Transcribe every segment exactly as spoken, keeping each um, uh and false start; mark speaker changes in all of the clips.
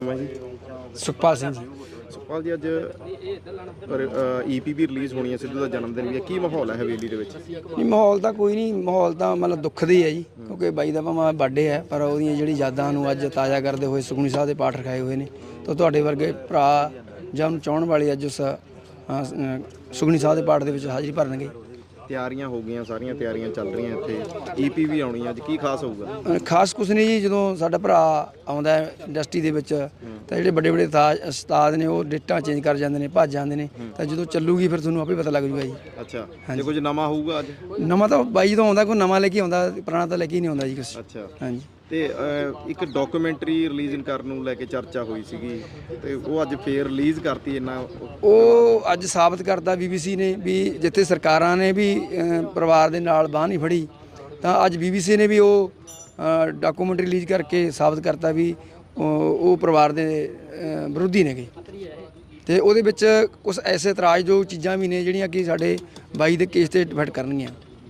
Speaker 1: जी
Speaker 2: सुखपाल सिंह जी।
Speaker 1: सुखपाल जी अज E P भी release होनी है, सिद्धू का जन्मदिन भी है, की माहौल है हवेली ਦੇ ਵਿੱਚ?
Speaker 2: ਨਹੀਂ ਮਾਹੌਲ ਤਾਂ ਕੋਈ ਨਹੀਂ, ਮਾਹੌਲ ਤਾਂ ਮਤਲਬ ਦੁੱਖ ਦੀ ਹੈ ਜੀ, ਕਿਉਂਕਿ ਬਾਈ ਦਾ ਭਾਵੇਂ ਬਰਥਡੇ ਹੈ ਪਰ ਉਹਦੀਆਂ ਜਿਹੜੀ ਯਾਦਾਂ ਨੂੰ ਅੱਜ ਤਾਜ਼ਾ ਕਰਦੇ ਹੋਏ ਸੁਖਮਨੀ ਸਾਹਿਬ ਦੇ ਪਾਠ ਰਖਾਏ ਹੋਏ ਨੇ। ਤਾਂ ਤੁਹਾਡੇ ਵਰਗੇ ਭਰਾ ਜਾਂ ਉਹਨੂੰ ਚਾਹਣ ਵਾਲੇ ਅੱਜ ਉਸ ਸੁਖਮਨੀ ਸਾਹਿਬ ਦੇ ਪਾਠ ਦੇ ਵਿੱਚ ਹਾਜ਼ਰੀ ਭਰਨਗੇ।
Speaker 1: ਤਿਆਰੀਆਂ ਹੋ ਗਈਆਂ, ਸਾਰੀਆਂ ਤਿਆਰੀਆਂ ਚੱਲ ਰਹੀਆਂ, ਇੱਥੇ ਈ ਪੀ ਵੀ ਆਉਣੀ ਅੱਜ, ਕੀ ਖਾਸ ਹੋਊਗਾ?
Speaker 2: ਖਾਸ ਕੁਛ ਨਹੀਂ ਜੀ, ਜਦੋਂ ਸਾਡਾ ਭਰਾ ਆਉਂਦਾ ਇੰਡਸਟਰੀ ਦੇ ਵਿੱਚ ਤਾਂ ਜਿਹੜੇ ਵੱਡੇ ਵੱਡੇ ਤਾਜ ਉਸਤਾਦ ਨੇ ਉਹ ਡੇਟਾਂ ਚੇਂਜ ਕਰ ਜਾਂਦੇ ਨੇ, ਭੱਜ ਜਾਂਦੇ ਨੇ, ਤਾਂ ਜਦੋਂ ਚੱਲੂਗੀ ਫਿਰ ਤੁਹਾਨੂੰ ਆਪੇ ਪਤਾ ਲੱਗ ਜੂਗਾ ਜੀ।
Speaker 1: ਅੱਛਾ, ਜੇ ਕੁਝ ਨਵਾਂ ਹੋਊਗਾ ਅੱਜ?
Speaker 2: ਨਵਾਂ ਤਾਂ ਬਾਈ ਜਦੋਂ ਆਉਂਦਾ ਕੋਈ ਨਵਾਂ ਲੈ ਕੇ ਆਉਂਦਾ, ਪੁਰਾਣਾ ਤਾਂ ਲੈ ਕੇ ਹੀ ਨਹੀਂ ਆਉਂਦਾ ਜੀ ਕੁਛ।
Speaker 1: ਅੱਛਾ,
Speaker 2: ਹਾਂਜੀ।
Speaker 1: ਤੇ ਇੱਕ ਡਾਕੂਮੈਂਟਰੀ ਰਿਲੀਜ਼ ਕਰਨ ਨੂੰ ਲੈ ਕੇ ਚਰਚਾ ਹੋਈ ਸੀਗੀ, ਤੇ ਉਹ ਅੱਜ ਫੇਰ ਰਿਲੀਜ਼ ਕਰਤੀ। ਇੰਨਾ
Speaker 2: ਉਹ ਅੱਜ ਸਾਬਤ ਕਰਤਾ ਬੀਬੀਸੀ ਨੇ ਵੀ ਜਿੱਥੇ ਸਰਕਾਰਾਂ ਨੇ ਵੀ ਪਰਿਵਾਰ ਦੇ ਨਾਲ ਬਾਂਹ ਨਹੀਂ ਫੜੀ, ਤਾਂ ਅੱਜ ਬੀਬੀਸੀ ਨੇ ਵੀ ਉਹ ਡਾਕੂਮੈਂਟਰੀ ਰਿਲੀਜ਼ ਕਰਕੇ ਸਾਬਤ ਕਰਤਾ ਵੀ ਉਹ ਪਰਿਵਾਰ ਦੇ ਵਿਰੋਧੀ ਨੇਗੇ। ਤੇ ਉਹਦੇ ਵਿੱਚ ਕੁਝ ਐਸੇ ਇਤਰਾਜ਼ਯੋਗ ਚੀਜ਼ਾਂ ਵੀ ਨੇ ਜਿਹੜੀਆਂ ਕਿ ਸਾਡੇ ਬਾਈ ਦੇ ਕੇਸ ਤੇ ਡਿਫੈਕਟ ਕਰਨਗੀਆਂ।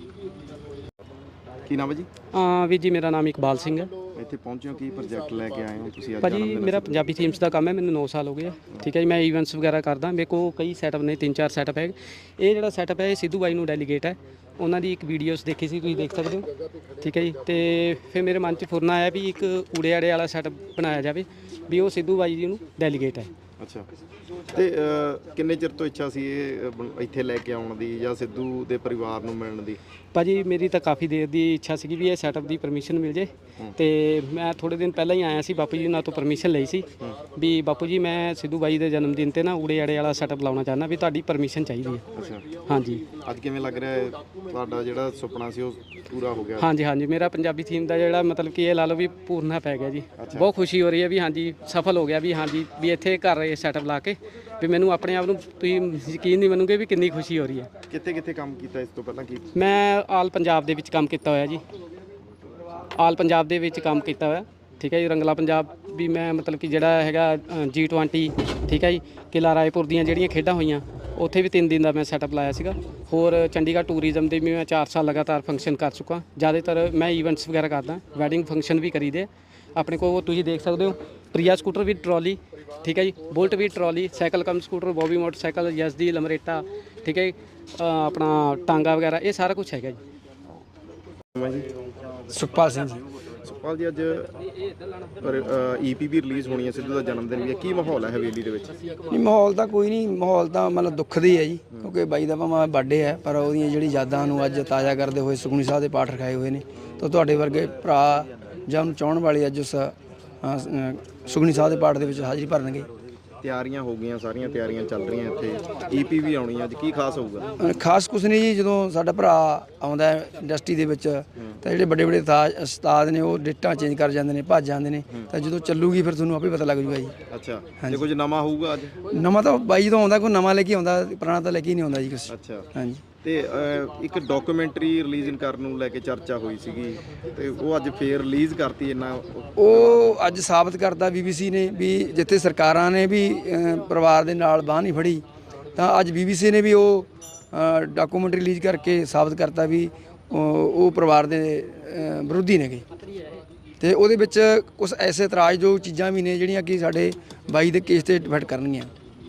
Speaker 1: ਕੀ ਨਾਮ ਹੈ ਜੀ?
Speaker 3: ਹਾਂ ਵੀਰ ਜੀ, ਮੇਰਾ ਨਾਮ ਇਕਬਾਲ ਸਿੰਘ ਹੈ।
Speaker 1: ਇੱਥੇ ਪਹੁੰਚੇ ਹੋ, ਕੀ ਪ੍ਰੋਜੈਕਟ ਲੈ ਕੇ ਆਏ ਹੋ ਤੁਸੀਂ ਅੱਜ?
Speaker 3: ਭਾਜੀ ਮੇਰਾ ਪੰਜਾਬੀ ਥੀਮਸ ਦਾ ਕੰਮ ਹੈ, ਮੈਨੂੰ ਨੌ ਸਾਲ ਹੋ ਗਏ ਆ। ਠੀਕ ਹੈ ਜੀ, ਮੈਂ ਈਵੈਂਟਸ ਵਗੈਰਾ ਕਰਦਾ, ਮੇਰੇ ਕੋਲ ਕਈ ਸੈਟਅਪ ਨੇ, ਤਿੰਨ ਚਾਰ ਸੈਟਅਪ ਹੈ। ਇਹ ਜਿਹੜਾ ਸੈਟਅਪ ਹੈ ਇਹ ਸਿੱਧੂ ਬਾਈ ਨੂੰ ਡੈਲੀਗੇਟ ਹੈ, ਉਹਨਾਂ ਦੀ ਇੱਕ ਵੀਡੀਓਸ ਦੇਖੀ ਸੀ, ਤੁਸੀਂ ਦੇਖ ਸਕਦੇ ਹੋ। ਠੀਕ ਹੈ ਜੀ, ਤੇ ਫਿਰ ਮੇਰੇ ਮਨ 'ਚ ਫੁਰਨਾ ਆਇਆ ਵੀ ਇੱਕ ਊੜੇ ਆੜੇ ਵਾਲਾ ਸੈਟਅਪ ਬਣਾਇਆ ਜਾਵੇ ਵੀ ਉਹ ਸਿੱਧੂ ਬਾਈ ਜੀ ਨੂੰ ਡੈਲੀਗੇਟ ਹੈ।
Speaker 1: ਅੱਛਾ, ਤੇ ਕਿੰਨੇ ਚਿਰ ਤੋਂ ਇੱਛਾ ਸੀ ਇਹ ਇੱਥੇ ਲੈ ਕੇ ਆਉਣ ਦੀ ਜਾਂ ਸਿੱਧੂ ਦੇ ਪਰਿਵਾਰ ਨੂੰ ਮਿਲਣ ਦੀ?
Speaker 3: ਭਾਜੀ ਮੇਰੀ ਤਾਂ ਕਾਫੀ ਦੇਰ ਦੀ ਇੱਛਾ ਸੀਗੀ ਵੀ ਇਹ ਸੈਟਅਪ ਦੀ ਪਰਮਿਸ਼ਨ ਮਿਲ ਜੇ, ਤੇ ਮੈਂ ਥੋੜ੍ਹੇ ਦਿਨ ਪਹਿਲਾਂ ਹੀ ਆਇਆ ਸੀ, ਬਾਪੂ ਜੀ ਨਾਲ ਤੋਂ ਪਰਮਿਸ਼ਨ ਲਈ ਸੀ ਵੀ ਬਾਪੂ ਜੀ ਮੈਂ ਸਿੱਧੂ ਬਾਈ ਦੇ ਜਨਮ ਦਿਨ 'ਤੇ ਨਾ ਊੜੇ ਆੜੇ ਵਾਲਾ ਸੈਟਅਪ ਲਾਉਣਾ ਚਾਹੁੰਦਾ, ਵੀ ਤੁਹਾਡੀ ਪਰਮਿਸ਼ਨ ਚਾਹੀਦੀ ਹੈ।
Speaker 1: ਅੱਛਾ,
Speaker 3: ਹਾਂਜੀ।
Speaker 1: ਅੱਜ ਕਿਵੇਂ ਲੱਗ ਰਿਹਾ ਹੈ ਤੁਹਾਡਾ ਜਿਹੜਾ ਸੁਪਨਾ ਸੀ ਉਹ ਪੂਰਾ ਹੋ ਗਿਆ?
Speaker 3: ਹਾਂਜੀ ਹਾਂਜੀ, ਮੇਰਾ ਪੰਜਾਬੀ ਥੀਮ ਦਾ ਜਿਹੜਾ ਮਤਲਬ ਕਿ ਇਹ ਲਾ ਲਓ ਵੀ ਪੂਰਨਾ ਪੈ ਗਿਆ ਜੀ। ਬਹੁਤ ਖੁਸ਼ੀ ਹੋ ਰਹੀ ਹੈ ਵੀ ਹਾਂਜੀ ਸਫਲ ਹੋ ਗਿਆ, ਵੀ ਹਾਂਜੀ ਵੀ ਇੱਥੇ ਘਰ ਰਹੇ ਸੈਟਅਪ ਲਾ ਕੇ ਵੀ ਮੈਨੂੰ ਆਪਣੇ ਆਪ ਨੂੰ ਤੁਸੀਂ ਯਕੀਨ ਨਹੀਂ ਮੰਨੋਗੇ ਵੀ ਕਿੰਨੀ ਖੁਸ਼ੀ ਹੋ ਰਹੀ ਹੈ।
Speaker 1: ਕਿੱਥੇ ਕਿੱਥੇ ਕੰਮ ਕੀਤਾ ਇਸ ਤੋਂ ਪਹਿਲਾਂ? ਕੀ
Speaker 3: ਮੈਂ ਆਲ ਪੰਜਾਬ ਦੇ ਵਿੱਚ ਕੰਮ ਕੀਤਾ ਹੋਇਆ ਜੀ, ਆਲ ਪੰਜਾਬ ਦੇ ਵਿੱਚ ਕੰਮ ਕੀਤਾ ਹੋਇਆ। ਠੀਕ ਹੈ ਜੀ, ਰੰਗਲਾ ਪੰਜਾਬ ਵੀ ਮੈਂ ਮਤਲਬ ਕਿ ਜਿਹੜਾ ਹੈਗਾ ਜੀ ਟਵੈਂਟੀ, ਠੀਕ ਹੈ ਜੀ, ਕਿਲ੍ਹਾ ਰਾਏਪੁਰ ਦੀਆਂ ਜਿਹੜੀਆਂ ਖੇਡਾਂ ਹੋਈਆਂ ਉੱਥੇ ਵੀ ਤਿੰਨ ਦਿਨ ਦਾ ਮੈਂ ਸੈਟਅਪ ਲਾਇਆ ਸੀਗਾ। ਹੋਰ ਚੰਡੀਗੜ੍ਹ ਟੂਰਿਜ਼ਮ ਦੇ ਵੀ ਮੈਂ ਚਾਰ ਸਾਲ ਲਗਾਤਾਰ ਫੰਕਸ਼ਨ ਕਰ ਚੁੱਕਾ। ਜ਼ਿਆਦਾਤਰ ਮੈਂ ਈਵੈਂਟਸ ਵਗੈਰਾ ਕਰਦਾ, ਵੈਡਿੰਗ ਫੰਕਸ਼ਨ ਵੀ ਕਰੀਦੇ ਆਪਣੇ ਕੋਲ। ਤੁਸੀਂ ਦੇਖ ਸਕਦੇ ਹੋ ਪ੍ਰਿਆ ਸਕੂਟਰ ਵੀ ਟਰਾਲੀ, ਠੀਕ ਹੈ ਜੀ, ਬੁਲਟ ਵੀ trolley, cycle cum scooter, Bobby motorcycle, Yezdi, Lambretta, ਠੀਕ ਹੈ ਜੀ, ਆਪਣਾ ਟਾਂਗਾ ਵਗੈਰਾ, ਇਹ ਸਾਰਾ ਕੁਛ ਹੈਗਾ ਜੀ।
Speaker 2: ਸੁਖਪਾਲ ਸਿੰਘ ਜੀ।
Speaker 1: ਸੁਖਪਾਲ ਜੀ ਅਜ ਈ ਪੀ ਵੀ ਰਿਲੀਜ਼ ਹੋਣੀ ਹੈ, ਸਿੱਧੂ ਦਾ ਜਨਮਦਿਨ ਵੀ ਹੈ, ਕੀ ਮਾਹੌਲ ਹੈ ਹਵੇਲੀ ਦੇ ਵਿੱਚ?
Speaker 2: ਨਹੀਂ ਮਾਹੌਲ ਤਾਂ ਕੋਈ ਨਹੀਂ, ਮਾਹੌਲ ਤਾਂ ਮਤਲਬ ਦੁੱਖ ਦੀ ਹੈ ਜੀ, ਕਿਉਂਕਿ ਬਾਈ ਦਾ ਭਾਵੇਂ ਬਰਥਡੇ ਹੈ ਪਰ ਉਹਦੀਆਂ ਜਿਹੜੀ ਯਾਦਾਂ ਨੂੰ ਅੱਜ ਤਾਜ਼ਾ ਕਰਦੇ ਹੋਏ ਸੁਖਮਨੀ ਸਾਹਿਬ ਦੇ ਪਾਠ ਰਖਾਏ ਹੋਏ ਨੇ। ਤਾਂ ਤੁਹਾਡੇ ਵਰਗੇ ਭਰਾ ਜਾਂ ਉਹਨੂੰ ਚਾਹਣ ਵਾਲੇ ਅੱਜ ਉਸ ਸੁਖਮਨੀ ਸਾਹਿਬ ਦੇ ਪਾਠ ਦੇ ਵਿੱਚ ਹਾਜ਼ਰੀ ਭਰਨਗੇ।
Speaker 1: ਤਿਆਰੀਆਂ ਹੋ ਗਈਆਂ, ਸਾਰੀਆਂ ਤਿਆਰੀਆਂ ਚੱਲ ਰਹੀਆਂ, ਇੱਥੇ ਈ ਪੀ ਵੀ ਆਉਣੀ ਅੱਜ, ਕੀ ਖਾਸ ਹੋਊਗਾ?
Speaker 2: ਖਾਸ ਕੁਛ ਨਹੀਂ ਜੀ, ਜਦੋਂ ਸਾਡਾ ਭਰਾ ਆਉਂਦਾ ਇੰਡਸਟਰੀ ਦੇ ਵਿੱਚ ਤਾਂ ਜਿਹੜੇ ਵੱਡੇ ਵੱਡੇ ਤਾਜ ਉਸਤਾਦ ਨੇ ਉਹ ਡੇਟਾਂ ਚੇਂਜ ਕਰ ਜਾਂਦੇ ਨੇ, ਭੱਜ ਜਾਂਦੇ ਨੇ, ਤਾਂ ਜਦੋਂ ਚੱਲੂਗੀ ਫਿਰ ਤੁਹਾਨੂੰ ਆਪੇ ਪਤਾ ਲੱਗ ਜੂਗਾ ਜੀ।
Speaker 1: ਅੱਛਾ, ਜੇ ਕੁਝ ਨਵਾਂ ਹੋਊਗਾ ਅੱਜ?
Speaker 2: ਨਵਾਂ ਤਾਂ ਬਾਈ ਜਦੋਂ ਆਉਂਦਾ ਕੋਈ ਨਵਾਂ ਲੈ ਕੇ ਆਉਂਦਾ, ਪੁਰਾਣਾ ਤਾਂ ਲੈ ਕੇ ਹੀ ਨਹੀਂ ਆਉਂਦਾ ਜੀ ਕੁਛ।
Speaker 1: ਅੱਛਾ,
Speaker 2: ਹਾਂਜੀ।
Speaker 1: ਤੇ ਇੱਕ ਡਾਕੂਮੈਂਟਰੀ ਰਿਲੀਜ਼ ਕਰਨ ਨੂੰ ਲੈ ਕੇ ਚਰਚਾ ਹੋਈ ਸੀਗੀ, ਤੇ ਉਹ ਅੱਜ ਫੇਰ ਰਿਲੀਜ਼ ਕਰਤੀ। ਇੰਨਾ
Speaker 2: ਉਹ ਅੱਜ ਸਾਬਤ ਕਰਤਾ ਬੀਬੀਸੀ ਨੇ ਵੀ ਜਿੱਥੇ ਸਰਕਾਰਾਂ ਨੇ ਵੀ ਪਰਿਵਾਰ ਦੇ ਨਾਲ ਬਾਂਹ ਨਹੀਂ ਫੜੀ, ਤਾਂ ਅੱਜ ਬੀਬੀਸੀ ਨੇ ਵੀ ਉਹ ਡਾਕੂਮੈਂਟਰੀ ਰਿਲੀਜ਼ ਕਰਕੇ ਸਾਬਤ ਕਰਤਾ ਵੀ ਉਹ ਪਰਿਵਾਰ ਦੇ ਵਿਰੋਧੀ ਨੇਗੇ। ਤੇ ਉਹਦੇ ਵਿੱਚ ਕੁਝ ਐਸੇ ਇਤਰਾਜ਼ਯੋਗ ਚੀਜ਼ਾਂ ਵੀ ਨੇ ਜਿਹੜੀਆਂ ਕਿ ਸਾਡੇ ਬਾਈ ਦੇ ਕੇਸ ਤੇ ਡਿਫੈਕਟ ਕਰਨਗੀਆਂ।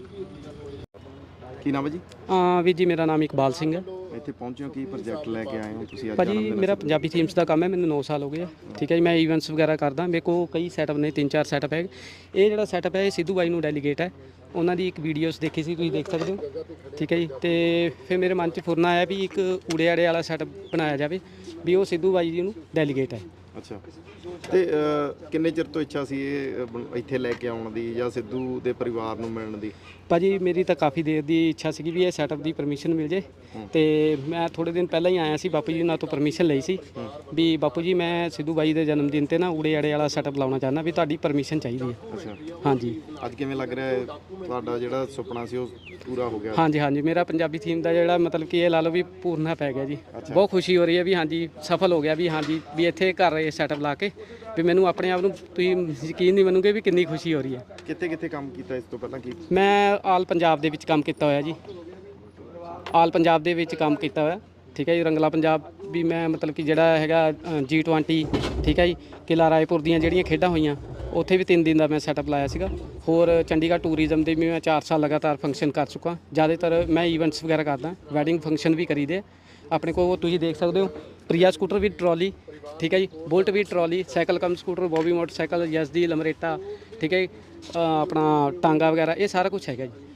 Speaker 1: ਕੀ ਨਾਮ ਹੈ ਜੀ?
Speaker 3: ਹਾਂ ਵੀਰ ਜੀ, ਮੇਰਾ ਨਾਮ ਇਕਬਾਲ ਸਿੰਘ ਹੈ।
Speaker 1: ਇੱਥੇ ਪਹੁੰਚੇ ਹੋ, ਕੀ ਪ੍ਰੋਜੈਕਟ ਲੈ ਕੇ ਆਏ ਹੋ ਤੁਸੀਂ ਅੱਜ?
Speaker 3: ਭਾਜੀ ਮੇਰਾ ਪੰਜਾਬੀ ਥੀਮਸ ਦਾ ਕੰਮ ਹੈ, ਮੈਨੂੰ ਨੌ ਸਾਲ ਹੋ ਗਏ ਆ। ਠੀਕ ਹੈ ਜੀ, ਮੈਂ ਈਵੈਂਟਸ ਵਗੈਰਾ ਕਰਦਾ, ਮੇਰੇ ਕੋਲ ਕਈ ਸੈਟਅਪ ਨੇ, ਤਿੰਨ ਚਾਰ ਸੈਟਅਪ ਹੈ। ਇਹ ਜਿਹੜਾ ਸੈਟਅਪ ਹੈ ਇਹ ਸਿੱਧੂ ਬਾਈ ਨੂੰ ਡੈਲੀਗੇਟ ਹੈ, ਉਹਨਾਂ ਦੀ ਇੱਕ ਵੀਡੀਓਸ ਦੇਖੀ ਸੀ, ਤੁਸੀਂ ਦੇਖ ਸਕਦੇ ਹੋ। ਠੀਕ ਹੈ ਜੀ, ਤੇ ਫਿਰ ਮੇਰੇ ਮਨ 'ਚ ਫੁਰਨਾ ਆਇਆ ਵੀ ਇੱਕ ਊੜੇ ਆੜੇ ਵਾਲਾ ਸੈਟਅਪ ਬਣਾਇਆ ਜਾਵੇ ਵੀ ਉਹ ਸਿੱਧੂ ਬਾਈ ਜੀ ਨੂੰ ਡੈਲੀਗੇਟ ਹੈ।
Speaker 1: ਅੱਛਾ, ਤੇ ਕਿੰਨੇ ਚਿਰ ਤੋਂ ਇੱਛਾ ਸੀ ਇਹ ਇੱਥੇ ਲੈ ਕੇ ਆਉਣ ਦੀ ਜਾਂ ਸਿੱਧੂ ਦੇ ਪਰਿਵਾਰ ਨੂੰ ਮਿਲਣ ਦੀ?
Speaker 3: ਭਾਜੀ ਮੇਰੀ ਤਾਂ ਕਾਫੀ ਦੇਰ ਦੀ ਇੱਛਾ ਸੀਗੀ ਵੀ ਇਹ ਸੈਟਅਪ ਦੀ ਪਰਮਿਸ਼ਨ ਮਿਲ ਜੇ, ਤੇ ਮੈਂ ਥੋੜ੍ਹੇ ਦਿਨ ਪਹਿਲਾਂ ਹੀ ਆਇਆ ਸੀ, ਬਾਪੂ ਜੀ ਨਾਲ ਤੋਂ ਪਰਮਿਸ਼ਨ ਲਈ ਸੀ ਵੀ ਬਾਪੂ ਜੀ ਮੈਂ ਸਿੱਧੂ ਬਾਈ ਦੇ ਜਨਮ ਦਿਨ 'ਤੇ ਨਾ ਊੜੇ ਆੜੇ ਵਾਲਾ ਸੈਟਅਪ ਲਾਉਣਾ ਚਾਹੁੰਦਾ, ਵੀ ਤੁਹਾਡੀ ਪਰਮਿਸ਼ਨ ਚਾਹੀਦੀ ਹੈ।
Speaker 1: ਅੱਛਾ,
Speaker 3: ਹਾਂਜੀ।
Speaker 1: ਅੱਜ ਕਿਵੇਂ ਲੱਗ ਰਿਹਾ ਹੈ ਤੁਹਾਡਾ ਜਿਹੜਾ ਸੁਪਨਾ ਸੀ ਉਹ ਪੂਰਾ ਹੋ ਗਿਆ?
Speaker 3: ਹਾਂਜੀ ਹਾਂਜੀ, ਮੇਰਾ ਪੰਜਾਬੀ ਥੀਮ ਦਾ ਜਿਹੜਾ ਮਤਲਬ ਕਿ ਇਹ ਲਾ ਲਓ ਵੀ ਪੂਰਨਾ ਪੈ ਗਿਆ ਜੀ। ਬਹੁਤ ਖੁਸ਼ੀ ਹੋ ਰਹੀ ਹੈ ਵੀ ਹਾਂਜੀ ਸਫਲ ਹੋ ਗਿਆ, ਵੀ ਹਾਂਜੀ ਵੀ ਇੱਥੇ ਘਰ ਰਹੇ ਸੈਟਅਪ ਲਾ ਕੇ ਵੀ ਮੈਨੂੰ ਆਪਣੇ ਆਪ ਨੂੰ ਤੁਸੀਂ ਯਕੀਨ ਨਹੀਂ ਮੰਨੋਗੇ ਵੀ ਕਿੰਨੀ ਖੁਸ਼ੀ ਹੋ ਰਹੀ ਹੈ।
Speaker 1: ਕਿੱਥੇ ਕਿੱਥੇ ਕੰਮ ਕੀਤਾ ਇਸ ਤੋਂ ਪਹਿਲਾਂ? ਕੀ
Speaker 3: ਮੈਂ ਆਲ ਪੰਜਾਬ ਦੇ ਵਿੱਚ ਕੰਮ ਕੀਤਾ ਹੋਇਆ ਜੀ, ਆਲ ਪੰਜਾਬ ਦੇ ਵਿੱਚ ਕੰਮ ਕੀਤਾ ਹੋਇਆ। ਠੀਕ ਹੈ ਜੀ, ਰੰਗਲਾ ਪੰਜਾਬ ਵੀ ਮੈਂ ਮਤਲਬ ਕਿ ਜਿਹੜਾ ਹੈਗਾ ਜੀ ਟਵੈਂਟੀ, ਠੀਕ ਹੈ ਜੀ, ਕਿਲ੍ਹਾ ਰਾਏਪੁਰ ਦੀਆਂ ਜਿਹੜੀਆਂ ਖੇਡਾਂ ਹੋਈਆਂ ਉੱਥੇ ਵੀ ਤਿੰਨ ਦਿਨ ਦਾ ਮੈਂ ਸੈਟਅਪ ਲਾਇਆ ਸੀਗਾ। ਹੋਰ ਚੰਡੀਗੜ੍ਹ ਟੂਰਿਜ਼ਮ ਦੇ ਵੀ ਮੈਂ ਚਾਰ ਸਾਲ ਲਗਾਤਾਰ ਫੰਕਸ਼ਨ ਕਰ ਚੁੱਕਾ। ਜ਼ਿਆਦਾਤਰ ਮੈਂ ਈਵੈਂਟਸ ਵਗੈਰਾ ਕਰਦਾ, ਵੈਡਿੰਗ ਫੰਕਸ਼ਨ ਵੀ ਕਰੀਦੇ। ਆਪਣੇ ਕੋਲ ਤੁਸੀਂ ਦੇਖ ਸਕਦੇ ਹੋ ਪ੍ਰਿਆ ਸਕੂਟਰ ਵੀ ਟਰਾਲੀ, ਠੀਕ ਹੈ ਜੀ, ਬੁਲਟ ਵੀ trolley, cycle cum scooter, Bobby motorcycle, Yezdi, Lambretta, ਠੀਕ ਹੈ ਜੀ, ਆਪਣਾ ਟਾਂਗਾ ਵਗੈਰਾ, ਇਹ ਸਾਰਾ ਕੁਝ ਹੈਗਾ ਜੀ।